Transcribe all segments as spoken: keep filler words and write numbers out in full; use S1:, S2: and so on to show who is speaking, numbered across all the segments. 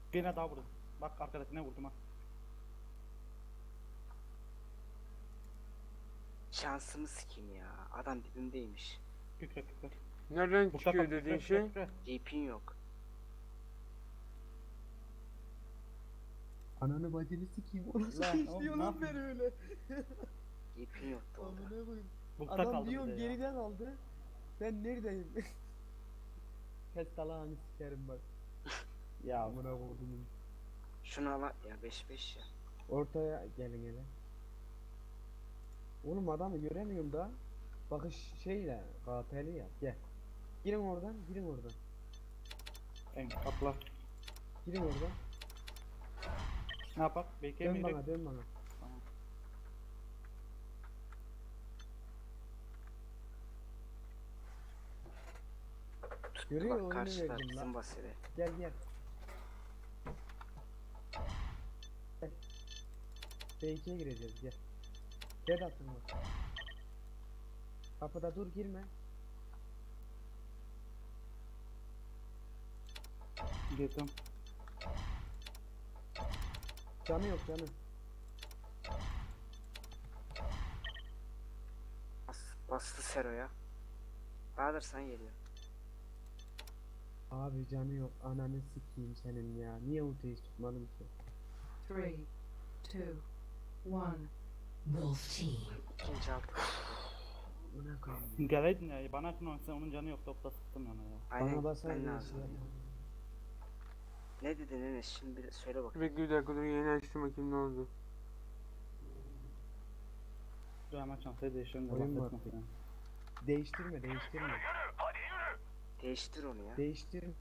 S1: Birine daha vurdum. Bak arkadakine vurdum ha.
S2: Şansımı sikeyim ya. Adam dibimdeymiş.
S1: Kükre kükre.
S3: Nereden
S1: Mustafa
S3: çıkıyor
S1: kükre
S3: dediğin
S1: kükre
S3: şey?
S1: kükre.
S2: D P'in yok.
S4: Ananı bacını sikeyim. O nasıl
S1: Lan oğlum,
S4: işliyor
S1: ne
S4: lan beni
S1: yapıyorsun?
S4: öyle?
S2: D P'in yoktu orada.
S4: Amına koyayım.
S1: Bukta
S4: Adam
S1: kaldı
S4: diyorum
S1: bir de ya.
S4: geriden aldı. Ben neredeyim? Kes talağını sikerim bak.
S1: Ya
S4: Amına koydum.
S2: Şunu al ya, beş beş ya.
S4: Ortaya gelin hele. Oğlum adamı göremiyorum da. Bakış şeyle K P'li ya. Gel. Girin oradan, girin oradan.
S1: en kapla.
S4: Girin oradan.
S1: Ne yapak?
S4: Dön
S1: Bekleyemeyin.
S4: bana, dön bana.
S1: Tamam.
S2: Tuttu
S4: Görüyor,
S2: bak
S4: oyunu
S2: karşıda
S4: verdim
S2: bizim
S4: lan.
S2: basede.
S4: Gel gel. Gel. B ikiye gireceğiz gel. Gel atın bak. Kapıda dur girme.
S1: Girdim.
S4: Canı yok canı.
S2: Bas, bastı Sero'ya. Bahadır sen geliyor.
S4: Abi canı yok. Ananı sikeyim senin ya. Niye ultiyi tutmadın ki?
S5: Three, two, one.
S6: Wolf Team.
S2: İkinci altı.
S4: Buna koyayım.
S1: Geleydin ya. Bana yakın olsa onun canı yok. Topla sıktım yana ya.
S2: Aynen
S4: Bana basar
S2: gitmen
S4: diye
S2: lazım.
S4: şey.
S2: Ne dedin Enes? Şimdi bir söyle bakayım.
S3: Bekle bir dakika dur, yeni açtım bakayım ne oldu.
S1: Dur hemen çantayı değiştirelim de
S4: Oyun
S1: laf
S4: var.
S1: etme falan.
S4: Değiştirme değiştirme.
S2: Değiştir onu ya.
S4: Değiştirme.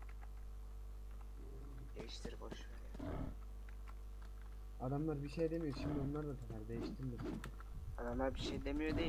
S2: Değiştir boş ver ya.
S4: Adamlar bir şey demiyor şimdi onlar da takar değiştirme.
S2: Adamlar bir şey demiyor değil.